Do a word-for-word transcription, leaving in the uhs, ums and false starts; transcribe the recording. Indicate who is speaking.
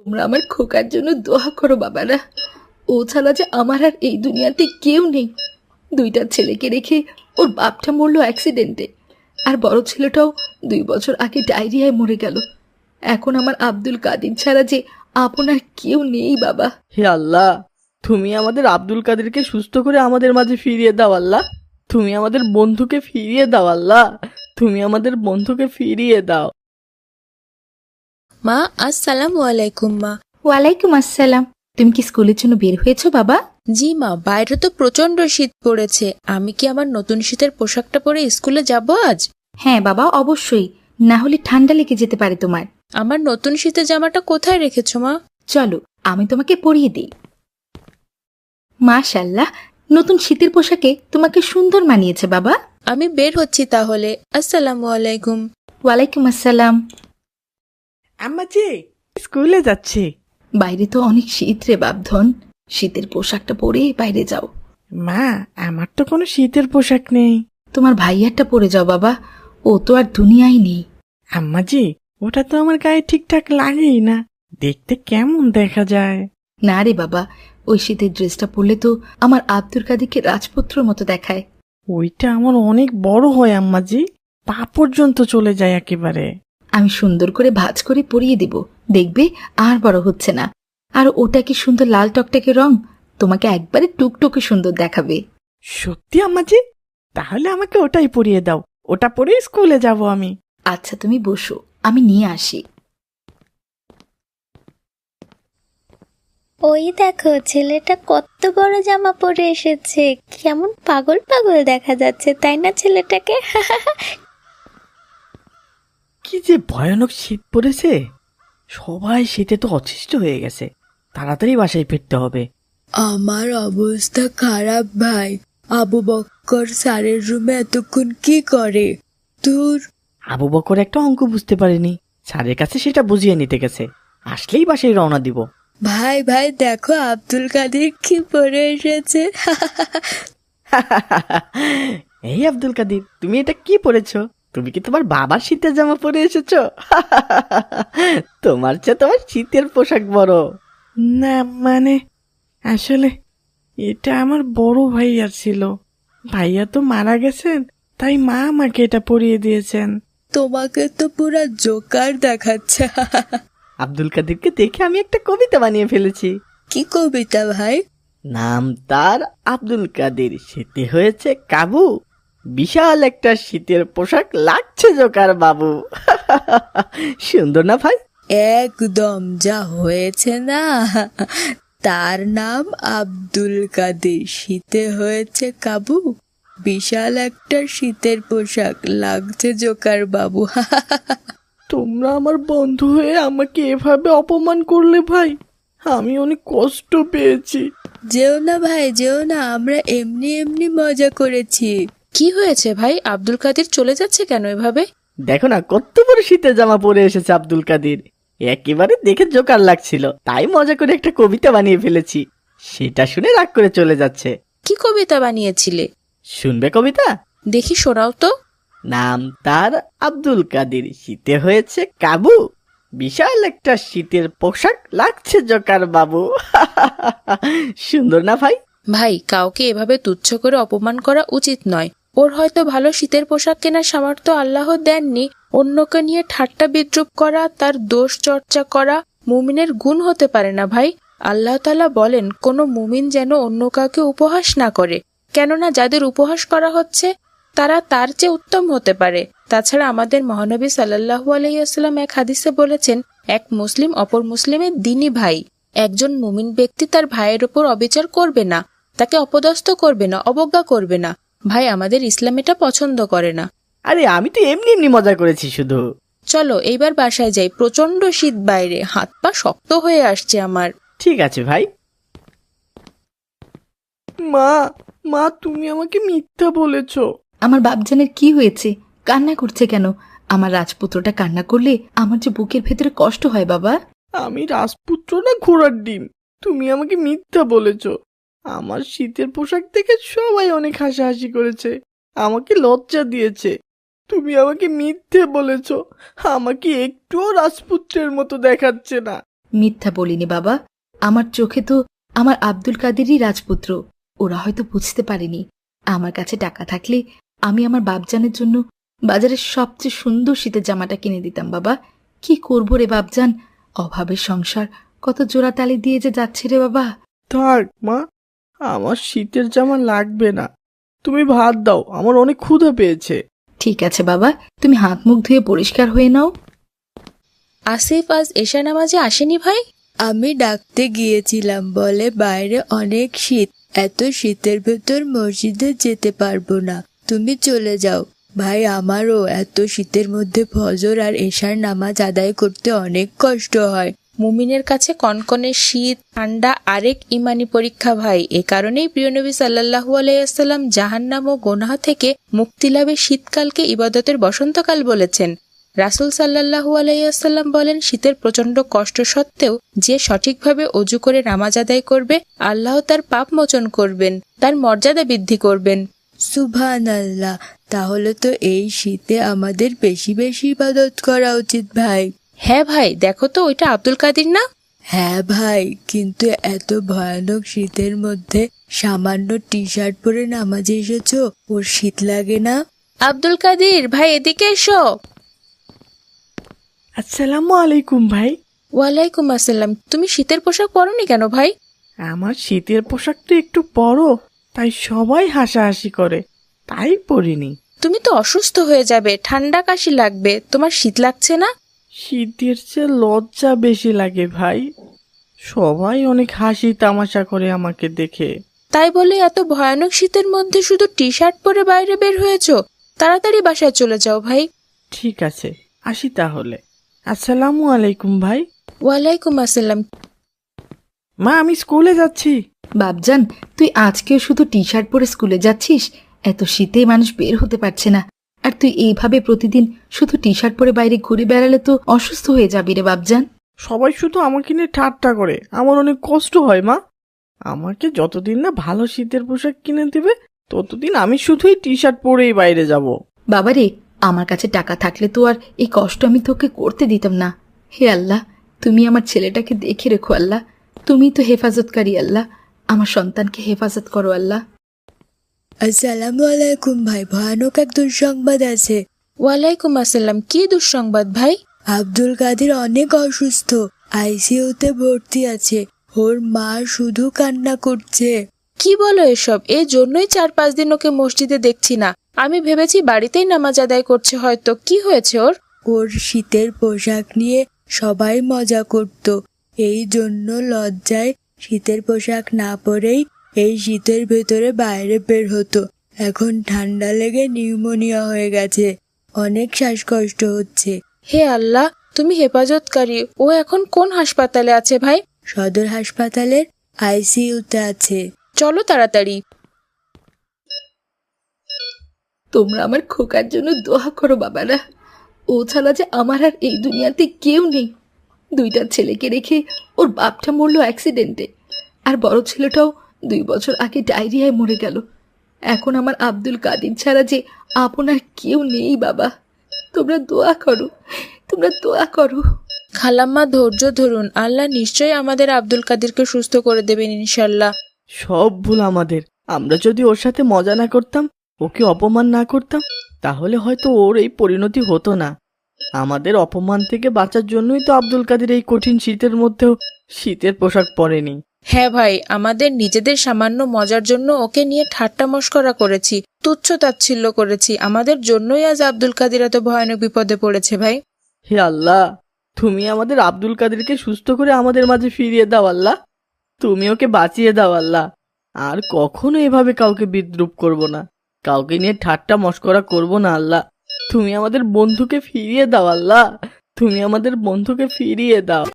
Speaker 1: তোমরা আমার খোকার জন্য দোয়া করো বাবারা। ও ছাড়া যে আমার আর এই দুনিয়াতে কেউ নেই। দুইটা ছেলেকে রেখে ওর বাপটা মরলো অ্যাক্সিডেন্টে, আর বড় ছেলেটাও দুই বছর আগে ডায়রিয়ায় মরে গেল। এখন আমার আব্দুল কাদির ছাড়া যে আপনার কেউ নেই বাবা।
Speaker 2: হে আল্লাহ, তুমি আমাদের আব্দুল কাদেরকে সুস্থ করে আমাদের মাঝে ফিরিয়ে দাও আল্লাহ। তুমি আমাদের বন্ধুকে ফিরিয়ে দাও আল্লাহ। তুমি আমাদের বন্ধুকে ফিরিয়ে দাও।
Speaker 3: মা, আসসালামু আলাইকুম। মা
Speaker 1: ওয়ালাইকুম আসসালাম। তুমি কি স্কুলের জন্য বের হয়েছো বাবা?
Speaker 3: জি মা, বাইরে তো প্রচন্ড শীত পড়েছে। আমি কি আমার নতুন শীতের পোশাকটা পরে স্কুলে যাব আজ?
Speaker 1: হ্যাঁ বাবা, অবশ্যই, না হলে ঠান্ডা লেগে যেতে পারে তোমার।
Speaker 3: আমার নতুন শীতের জামাটা কোথায় রেখেছো মা?
Speaker 1: চলো আমি তোমাকে পরিয়ে দিই। মাশাআল্লাহ, নতুন শীতের পোশাকে তোমাকে সুন্দর মানিয়েছে বাবা।
Speaker 3: আমি বের হচ্ছি তাহলে। আসসালামু আলাইকুম।
Speaker 1: ওয়ালাইকুম আসসালাম।
Speaker 2: আম্মাজি স্কুলে যাচ্ছি।
Speaker 1: বাইরে তো অনেক শীত রে বাপধন, শীতের পোশাকটা পরে বাইরে যাও।
Speaker 2: মা, আমার তো কোনো শীতের পোশাক নেই।
Speaker 1: তোমার ভাইয়ারটা পরে যাও বাবা, ও তো আর দুনিয়ায় নেই।
Speaker 2: আম্মাজি, ওটা তো আমার গায়ে ঠিকঠাক লাগেই না, দেখতে কেমন দেখা যায়।
Speaker 1: না রে বাবা, ওই শীতের ড্রেসটা পরলে তো আমার আব্দুল কাদিরকে রাজপুত্রর মতো দেখায়।
Speaker 2: ওইটা আমার অনেক বড় হয় আম্মাজি, পা পর্যন্ত চলে যায় একেবারে।
Speaker 1: আমি সুন্দর করে ভাঁজ করে পরিয়ে দিব, দেখবে আর বড় হচ্ছে না। আর ওটা কি সুন্দর লাল টকটকে রং, তোমাকে একবারে টুকটুকে সুন্দর দেখাবে।
Speaker 2: সত্যি আম্মাজি? তাহলে আমাকে ওটাই পরিয়ে দাও, ওটা পরে স্কুলে যাব আমি।
Speaker 1: আচ্ছা তুমি বসো, আমি নিয়ে আসি।
Speaker 4: ওই দেখো, ছেলেটা কত বড় জামা পরে এসেছে, কেমন পাগল পাগল দেখা যাচ্ছে, তাই না ছেলেটাকে?
Speaker 2: কি যে ভয়ানক শীত পড়েছে, সবাই শীতে তো অতিষ্ঠ হয়ে গেছে। তাড়াতাড়ি বাসায় ফিরতে হবে।
Speaker 3: আমার অবস্থা খারাপ ভাই। আবু বক্কর স্যারের রুমে এতক্ষণ কি করে? তোর
Speaker 2: আবু বকর একটা অঙ্ক বুঝতে পারেনি, স্যারের কাছে সেটা বুঝিয়ে নিতে গেছে। আসলেই বাসায় রওনা দিব।
Speaker 3: ভাই ভাই দেখো, আব্দুল কাদের কি পরে এসেছে।
Speaker 2: এই আব্দুল কাদির, তুমি এটা কি পরেছো? তুমি কি তোমার বাবার শীতের জামা পরে এসেছো? তোমার চেয়ে তোমার শীতের পোশাক বড়। না মানে, আসলে এটা আমার বড় ভাইয়ার ছিল। ভাইয়া তো মারা গেছেন, তাই মা আমাকে এটা পরিয়ে দিয়েছেন।
Speaker 3: তোমাকে তো পুরা জোকার দেখাচ্ছে।
Speaker 2: আব্দুল কাদিরকে দেখে আমি একটা কবিতা বানিয়ে ফেলেছি।
Speaker 3: কি কবিতা ভাই?
Speaker 2: নাম তার আব্দুল কাদির, শীতে হয়েছে কাবু, বিশাল একটা শীতের পোশাক লাগছে জোকার বাবু। সুন্দর না ভাই?
Speaker 3: একদম যা হয়েছে না। তার নাম আব্দুল কাদের, শীতে হয়েছে কাবু, বিশাল একটা শীতের পোশাক লাগছে জোকার বাবু।
Speaker 2: তোমরা আমার বন্ধু হয়ে আমাকে এভাবে অপমান করলে ভাই, আমি অনেক কষ্ট পেয়েছি।
Speaker 3: যেও না ভাই, যেও না, আমরা এমনি এমনি মজা করেছি। কি হয়েছে ভাই, আব্দুল কাদের চলে যাচ্ছে কেন এভাবে?
Speaker 2: দেখো না কত বড় শীতের জামা পরে এসেছে আব্দুল কাদির, একেবারে দেখে জোকার লাগছিল, তাই মজা করে একটা কবিতা বানিয়ে ফেলেছি। সেটা শুনে রাগ করে চলে যাচ্ছে।
Speaker 3: কি কবিতা বানিয়েছিলে?
Speaker 2: শুনবে কবিতা?
Speaker 3: দেখি শোনাও তো।
Speaker 2: নাম তার আব্দুল কাদির, শীতে হয়েছে কাবু, বিশাল একটা শীতের পোশাক লাগছে জোকার বাবু। সুন্দর না ভাই?
Speaker 3: ভাই, কাউকে এভাবে তুচ্ছ করে অপমান করা উচিত নয়। ওর হয়তো ভালো শীতের পোশাক কেনার সামর্থ্য আল্লাহ দেননি। অন্যকে নিয়ে ঠাট্টা বিদ্রুপ করা, তার দোষ চর্চা করা মুমিনের গুণ হতে পারে না ভাই। আল্লাহ তাআলা বলেন, কোনো মুমিন যেন অন্য কাউকে উপহাস না করে, কেননা যাদের উপহাস করা হচ্ছে তারা তার চেয়ে উত্তম হতে পারে। তাছাড়া আমাদের মহানবী সাল্লাল্লাহু আলাইহি ওয়াসাল্লাম এক হাদিসে বলেছেন, এক মুসলিম অপর মুসলিমের দ্বীনী ভাই। একজন মুমিন ব্যক্তি তার ভাইয়ের উপর অবিচার করবে না, তাকে অপদস্থ করবে না, অবজ্ঞা করবে না। ভাই, আমাদের ইসলাম এটা পছন্দ করে না।
Speaker 2: আরে আমি তো এমনি এমনি মজা করেছি শুধু।
Speaker 3: চলো এইবার বাসায় যাই, প্রচন্ড শীত বাইরে, হাত পা শক্ত হয়ে আসছে আমার।
Speaker 2: ঠিক আছে ভাই। মা, মা তুমি আমাকে মিথ্যা বলেছো।
Speaker 1: আমার বাপজানের কি হয়েছে, কান্না করছে কেন? আমার রাজপুত্রটা কান্না করলে আমার যে বুকের ভেতরে কষ্ট হয় বাবা।
Speaker 2: আমি রাজপুত্র না ঘোড়ার ডিম? তুমি আমাকে মিথ্যা বলেছো। আমার শীতের পোশাক দেখে সবাই অনেক হাসাহাসি করেছে, আমাকে লজ্জা দিয়েছে। তুমি আমাকে মিথ্যে বলেছো, আমাকে একটুও রাজপুত্রের মতো দেখাচ্ছে না।
Speaker 1: মিথ্যা বলিনি বাবা, আমার চোখে তো আমার আব্দুল কাদেরই রাজপুত্র। ওরা হয়তো বুঝতে পারেনি। আমার কাছে টাকা থাকলে আমি আমার বাপজানের জন্য বাজারের সবচেয়ে সুন্দর শীতের জামাটা কিনে দিতাম বাবা। কি করবো রে বাপজান, অভাবের সংসার কত জোড়া তালি দিয়ে যে যাচ্ছে রে বাবা।
Speaker 2: থাক মা, আমার শীতের জামা লাগবে না, তুমি ভাত দাও, আমার অনেক ক্ষুধা পেয়েছে।
Speaker 1: ঠিক আছে বাবা, তুমি হাত মুখ ধুয়ে পরিষ্কার হয়ে নাও।
Speaker 3: আসিফ আজ এশা নামাজে আসেনি ভাই? আমি ডাকতে গিয়েছিলাম, বলে বাইরে অনেক শীত, এত শীতের ভেতর মসজিদে যেতে পারবো না, তুমি চলে যাও। ভাই আমারও এত শীতের মধ্যে ফজর আর এশার নামাজ আদায় করতে অনেক কষ্ট হয়। মুমিনের কাছে কনকনে শীত ঠান্ডা আরেক ইমানি পরীক্ষা ভাই। এ কারণেই প্রিয় নবী সাল্লাল্লাহু আলাইহি সাল্লাম জাহান্নাম ও গোনাহ থেকে মুক্তি লাভে শীতকালকে ইবাদতের বসন্তকাল বলেছেন। রাসূল সাল্লাল্লাহু আলাইহি সাল্লাম বলেন, শীতের প্রচন্ড কষ্ট সত্ত্বেও যে সঠিকভাবে অজু করে নামাজ আদায় করবে, আল্লাহ তার পাপ মোচন করবেন, তার মর্যাদা বৃদ্ধি করবেন। সুবহানাল্লাহ, তাহলে তো এই শীতে আমাদের বেশি বেশি ইবাদত করা উচিত ভাই। হ্যাঁ ভাই, দেখো তো ওইটা আব্দুল কাদির না? হ্যাঁ ভাই, কিন্তু এত ভয়ানক শীতের মধ্যে সামান্য টি শার্ট পরে নামাজে এসেছো, ওর শীত লাগে না? আব্দুল কাদির ভাই, এদিকে এসো।
Speaker 2: আসসালামু আলাইকুম ভাই।
Speaker 3: ওয়ালাইকুম আসসালাম। তুমি শীতের পোশাক পরোনি কেন ভাই?
Speaker 2: আমার শীতের পোশাকটা একটু বড়, তাই সবাই হাসাহাসি করে, তাই পরিনি।
Speaker 3: তুমি তো অসুস্থ হয়ে যাবে, ঠান্ডা কাশি লাগবে, তোমার শীত লাগছে না?
Speaker 2: শীতের চেয়ে লজ্জা বেশি লাগে ভাই, সবাই অনেক হাসি তামাশা করে আমাকে দেখে।
Speaker 3: তাই বলে এত ভয়ানক শীতের মধ্যে শুধু টি শার্ট পরে বাইরে বের হয়েছো? তাড়াতাড়ি বাসায় চলে যাও ভাই।
Speaker 2: ঠিক আছে, আসি তাহলে। আসসালামু আলাইকুম ভাই।
Speaker 3: ওয়ালাইকুম আসসালাম।
Speaker 2: মা, আমি স্কুলে যাচ্ছি।
Speaker 1: বাপজান, তুই আজকেও শুধু টি শার্ট পরে স্কুলে যাচ্ছিস? এত শীতে মানুষ বের হতে পারছে না, আর তুই এইভাবে প্রতিদিন শুধু টি শার্ট পরে বাইরে ঘুরে বেড়ালে তো অসুস্থ হয়ে যাবি রে বাপজান।
Speaker 2: সবাই শুধু আমাকে নিয়ে ঠাট্টা করে, আমার অনেক কষ্ট হয় মা। আমাকে যতদিন না ভালো শীতের পোশাক কিনে দেবে, ততদিন আমি শুধুই টি শার্ট পরেই বাইরে যাব।
Speaker 1: বাবারে, আমার কাছে টাকা থাকলে তো আর এই কষ্ট আমি তোকে করতে দিতাম না। হে আল্লাহ, তুমি আমার ছেলেটাকে দেখে রেখো আল্লাহ, তুমি তো হেফাজতকারী আল্লাহ, আমার সন্তানকে হেফাজত করো আল্লাহ।
Speaker 3: আসসালামু আলাইকুম ভাই, ভয়ানক এক দুঃসংবাদ আছে। ওয়ালাইকুম আসসালাম। কি দুঃসংবাদ ভাই? আব্দুল কাদের অনেক অসুস্থ, আইসিইউতে ভর্তি আছে, ওর মা শুধু কান্না করছে। কি বলো এসব? এই জন্যই চার পাঁচ দিন ওকে মসজিদে দেখছি না। আমি ভেবেছি বাড়িতেই নামাজ আদায় করছে হয়তো। কি হয়েছে ওর? ওর শীতের পোশাক নিয়ে সবাই মজা করত, এই জন্য লজ্জায় শীতের পোশাক না পরেই এই শীতের ভেতরে বাইরে বের হতো। এখন ঠান্ডা লেগে নিউমোনিয়া হয়ে গেছে, অনেক শ্বাসকষ্ট হচ্ছে। হে আল্লাহ, তুমি হেফাজতকারী। ও এখন কোন হাসপাতালে আছে ভাই? সদর হাসপাতালের আইসিইউতে আছে। চলো তাড়াতাড়ি।
Speaker 1: তোমরা আমার খোকার জন্য দোয়া করো বাবারা, ও ছাড়া যে আমার আর এই দুনিয়াতে কেউ নেই। দুইটা ছেলেকে রেখে ওর বাপটা মরলো অ্যাক্সিডেন্টে, আর বড় ছেলেটাও দুই বছর আগে ডায়রিয়ায় মরে গেল। এখন আমার আব্দুল কাদির ছাড়া যে আপনার কেউ নেই বাবা। তোমরা দোয়া করো, তোমরা দোয়া করো।
Speaker 3: খালাম্মা, ধৈর্য ধরুন, আল্লাহ নিশ্চয়ই আমাদের আব্দুল কাদিরকে সুস্থ করে দেবেন ইনশাল্লাহ।
Speaker 2: সব ভুল আমাদের। আমরা যদি ওর সাথে মজা না করতাম, ওকে অপমান না করতাম, তাহলে হয়তো ওর এই পরিণতি হতো না। আমাদের অপমান থেকে বাঁচার জন্যই তো আব্দুল কাদের এই কঠিন শীতের মধ্যেও শীতের পোশাক পরেনি।
Speaker 3: হ্যাঁ ভাই, আমাদের নিজেদের সামান্য মজার জন্য ওকে নিয়ে ঠাট্টা মশকরা করেছি, তুচ্ছ তাচ্ছিল্য করেছি। আমাদের জন্যই আজ আব্দুল কাদির এত ভয়ানক বিপদে পড়েছে ভাই।
Speaker 2: হে আল্লাহ, তুমি আমাদের আব্দুল কাদেরকে সুস্থ করে আমাদের মাঝে ফিরিয়ে দাও আল্লাহ। তুমি ওকে বাঁচিয়ে দাও আল্লাহ। আর কখনো এভাবে কাউকে বিদ্রুপ করব না, কাউকে নিয়ে ঠাট্টা মশকরা করব না আল্লাহ। তুমি আমাদের বন্ধুকে ফিরিয়ে দাও আল্লাহ, তুমি আমাদের বন্ধুকে ফিরিয়ে দাও।